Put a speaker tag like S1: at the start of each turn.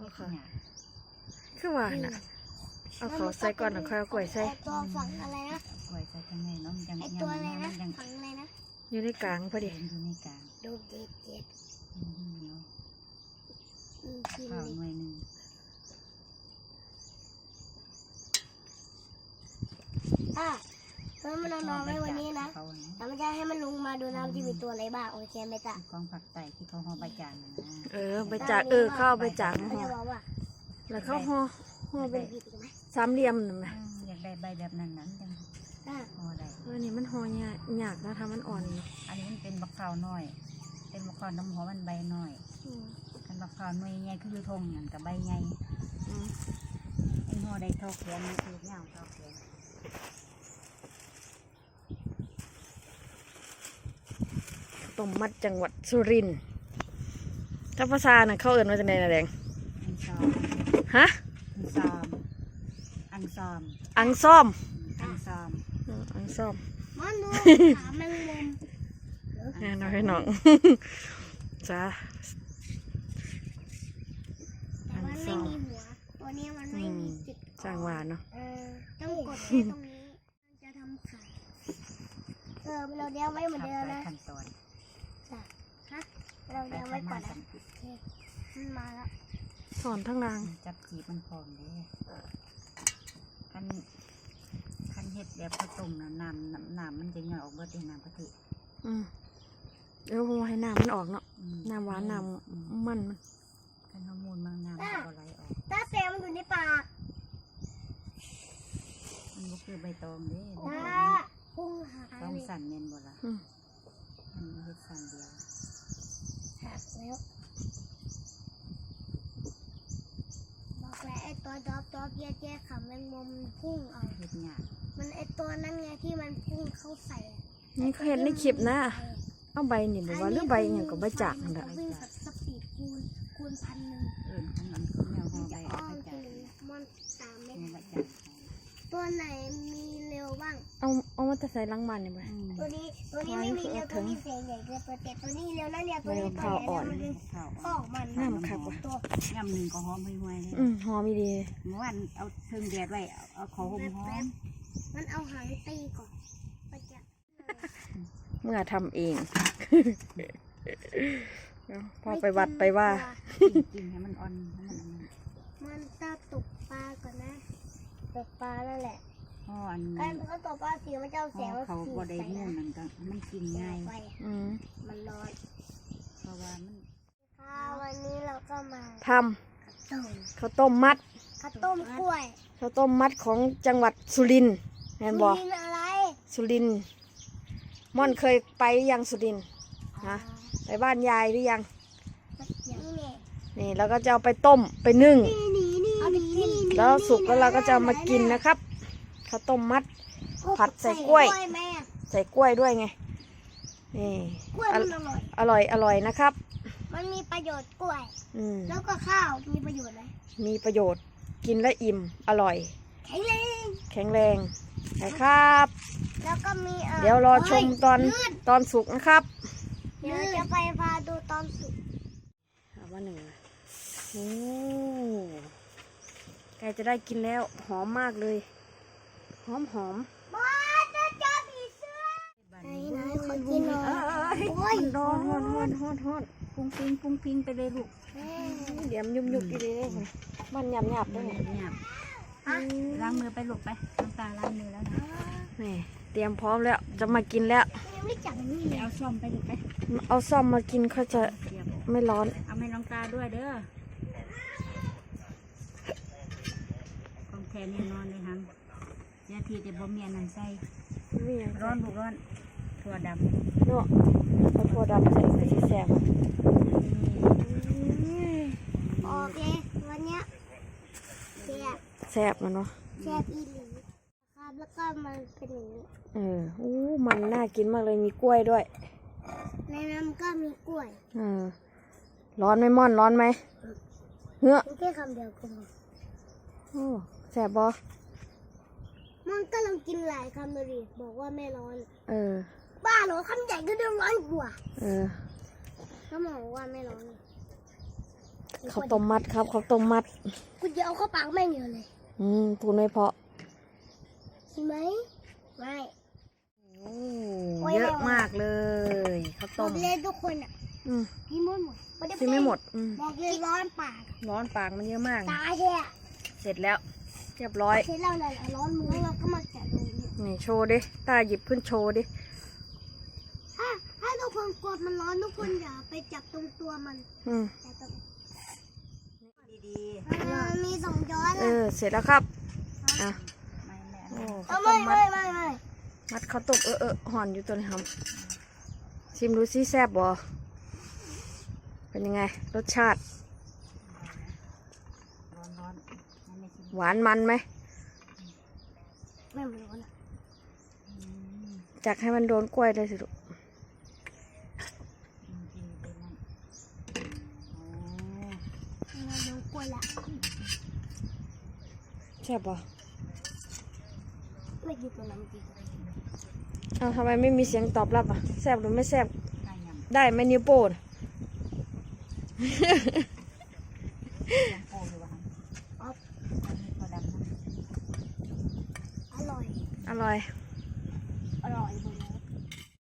S1: ค่ะคือว่าน่ะเอาเขาใส่ก่อนแล้วค่อยเอากล้วยใส่
S2: ตัวฝังอะไรนะ
S3: กล้วยใส่ข้างในเนาะมันยัง
S2: ไอตัวอะไรนะฝังอะไรนะ
S1: อยู่ในกลางพอดี
S3: อยู่ในกลาง
S2: ดูเจ็ด
S3: เหนียว
S2: กิน
S3: ข้าวหน่วยหนึ่ง
S2: แล้วมันนอนไว้วันนี้นะแล้วมันจะให้มันลงมาดูน้ำที่มีตัวอะไรบ้างโอเคไหมจ๊ะ
S3: กองผักไต่ที่เขาห่อใบจานนะ
S1: ใบจากเข้าใบจากห่อ แล้วเขาห่อเป็นสามเหลี่ยมนั่นไหม
S3: อยากได้ใบแบบนั้นจังห่อได้
S1: นี่มันห่อยากนะทำมันอ่อน
S3: อันนี้มันเป็นบักขาวน้อยเป็นบักขาวน้ำหัวมันใบน้อยกันบักขาวหน่วยใหญ่คือทงนั่นกับใบใหญ่ไอ้ห่อได้เท่าแขนมันคือเงาเท่าแขน
S1: ต้มมัดจังหวัดสุรินทร์ถ้าภาษาน่ะเขาเอิ้นว่าจังได๋น่ะแดงฮะ
S3: อังซอม
S1: อังซ่อม
S2: มันดูขาแมงมุม
S1: น้องให้น้องจ้า
S2: แต่มันไม่มีหัวตัวนี้มันไม่มีจุด
S1: จ้างหวานเนาะ
S2: ต้องกดแค่ตรงนี้มันจะทำขาเราเลี้ยงไว้เหมือนเดิมนะเราเลี้ยงไว้ก่อนนะมันมาแล้ว
S1: สอนทั้งนาง
S3: จับจีบมันพร้อมเลยคันเห็ดแบบผสมน้ำมันจะหย่อยออกเบิดในน้ำกะทิ
S1: ให้น้ำมันออกเนาะน้ำหวานน้ำมัน
S3: คันฮอร์โมนบางน้ำก็ไหลออก
S2: ตาแซมมันอยู่ในปาก
S3: มันก็คือใบตองเด้
S2: พุ่งหาย
S3: ต้องสั่นเงินบ่ละมันเห็ดสั่นเดียว
S2: หักแล้วบอกแล้วไอ้ตัวดอบแย่ๆค่ะแมงมุมพุ่งเอา
S3: เห็ดหยาบ
S2: มันไอ้ตัวนั้นไงที่มันพุ่งเข้าใส่
S1: นี่เขาเห็นในคลิปนะเอาใบนี่บอกว่าหรือใบอย่างกับใบจากนั่นแหละ
S2: วิ่งกับสปีดคูณ1,000
S3: ของมันคือแนวห่อใบจาก
S2: มันตามไม่
S3: ทัน
S2: ตัวไหนมีเร็วบ้าง
S1: เอามาจะใส่ลังมันเนี่ยไหม
S2: ตัวนี้ไม่มีเร็วตัวนี้เสียงใหญ่เกินตัวนี้เร็วนะเนี่ยตัวนี้
S1: ข้าวอ่อน
S2: ข้าวมัน
S1: น้ำขับว่ะ
S3: น้ำหนึ่งก็หอมห่วยเลย
S1: หอมดี
S3: เมื่อวานเอาเพิ่งแดดไว้เอาขอหอม
S2: มันเอาหางตีก่อน
S1: เมื่อทำเองพอไปวัดไปว่า
S3: กินให้มันอ่อน
S2: มันจะตกปลาก่อนนะตกปลาแล้วแหละการเขาตกปลาสีมันจะเสียง
S3: เขาบดได้เนื้อนั่นก็มันกินง่าย
S2: มันร้อน
S3: เพราะว่ามัน
S2: วันนี้เราก็มา
S1: ทำข้าวต้มมัด
S2: ข้าวต้มกล้วย
S1: ข้าวต้มมัดของจังหวัดสุรินทร์แม่นบอก
S2: อะไร
S1: สุรินทร์ม่อนเคยไปยังสุรินทร์ฮะไปบ้านยายหรือยังนี่แล้วก็จะเอาไปต้มไปนึ่งแล้วสุกแล้วเราก็จะมากินนะครับข้าวต้มมัดผัดใส่กล้วยด้วยไงนี่อร่อยนะครับ
S2: มันมีประโยชน์กล้วยแล้วก็ข้าวมีประโยชน์ไหม
S1: มีประโยชน์กินและอิ่มอร่อย
S2: แข็งแรง
S1: นะครับ
S2: แล้วก็มี
S1: เดี๋ยวรอชมตอนสุกนะครับ
S2: เดี๋ยวจะไปพาดูตอนสุก
S1: ว่าหนึ่งโอ้ใกล้จะได้กินแล้วหอมมากเลยหอม
S2: บ้าจะเจอผีเสื้อไหนขอกินหน่อย
S1: ร้อน
S3: ปุ้งปิงไปเลยลูก
S1: เดี๋ยวยุบดีเลยมันหยาบได้ไหม
S3: ล้างมือไปลูกไปน้ำตาล้างมือแล้วนะ
S1: นี่เตรียมพร้อมแล้วจะมากินแล้ว
S3: เอาซ่อมไปลูกไป
S1: เอาซ่อมมากินเขาจะไม่ร้อน
S3: เอาให้น้องตาด้วยเด้อของแทนนี่นอนเลยฮังยาทีจะบ่มีอันนั้นใส่ร้อนบุกร้อนถั่วดำ
S1: เนาะเอาถั่วดำใส่แซ่บ
S2: โอเควันนี้
S1: แซ่บแล้วเนาะ
S2: แซ่บอีหลีครับแล้วก็มันเป็นอย่าง
S1: นี้มันน่ากินมากเลยมีกล้วยด้วย
S2: ในน้ำก็มีกล้วย
S1: ร้อนไหมม่อนร้อนไหมเฮ้อ
S2: แค่คำเดียวก็พอ
S1: แซ่บบ่
S2: มันก็ลองกินหลายคำเลยบอกว่าไม่ร้อนบ้าเหรอคำใหญ่ก็เดือดร้อนกว่า
S1: ก็
S2: บอกว่าไม่ร้อน
S1: ข้าวต้มมัดครับข้าวต้มมัด
S2: กูจะเอาเข้าปากแม่งเยอะเลย
S1: พูดไม่เพราะ
S2: ใช่ไหมไม่
S1: โอ้เยอะมากเลยข้าว
S2: บ
S1: ต้
S2: อ
S1: ม
S2: กเลยทุกคนอ่ะ
S1: อืม
S2: พี่มุ่นหมด
S1: กินไม่หมด
S2: บอกเลยร้อนปาก
S1: ร้อนปากมันเยอะมาก
S2: ตายแท้
S1: เสร็จแล้ว เรียบร้อย
S2: เสร็จแล้วนั่นแหละร้อนมือเราก็มาแกะดูเนี่ย
S1: นี่โชว์ดิตาหยิบขึ้นโชว์ดิ
S2: ถ้าทุกคนกลัวมันร้อนทุกคนอย่าไปจับตรงตัวมัน
S1: อืม
S2: แต่ตรง
S3: ดี
S2: มันมีสองย้อน
S1: เออเสร็จแล้วครับอ่ะ
S3: ๆไม่แม่
S1: โอ้
S2: เอา
S1: ข้าว
S2: ไม่
S1: ต้มมั
S2: ไม่
S1: ด
S2: ไม่
S1: มัดข้าวต้มห่อนอยู่ตัวนี้ครับชิมดูซิแซ่บบ่เป็นยังไง รสชาติ
S3: ร้อนๆให้แม่ชิม
S1: หวานมันไหม
S2: ไม่มันร้อนอ่ะ
S1: จักให้มันโดนกล้วยได้สิลูก
S3: กินไปนั่นโอ้
S2: เราโดนกล้วยละ
S1: แซ่บบ่
S2: ไม่กินตัวนั้นจริง
S1: เอาทำไมไม่มีเสียงตอบรับอ่ะแซ่บหรือไม่แซ่บ
S3: ได้ยำ
S1: ได้ไหมนิ้วโป้ง
S3: ยังโปอยู่วะครับอันนี้ตัวดำนะ
S2: อร่อย
S1: อร่อย
S2: อร่อยหมด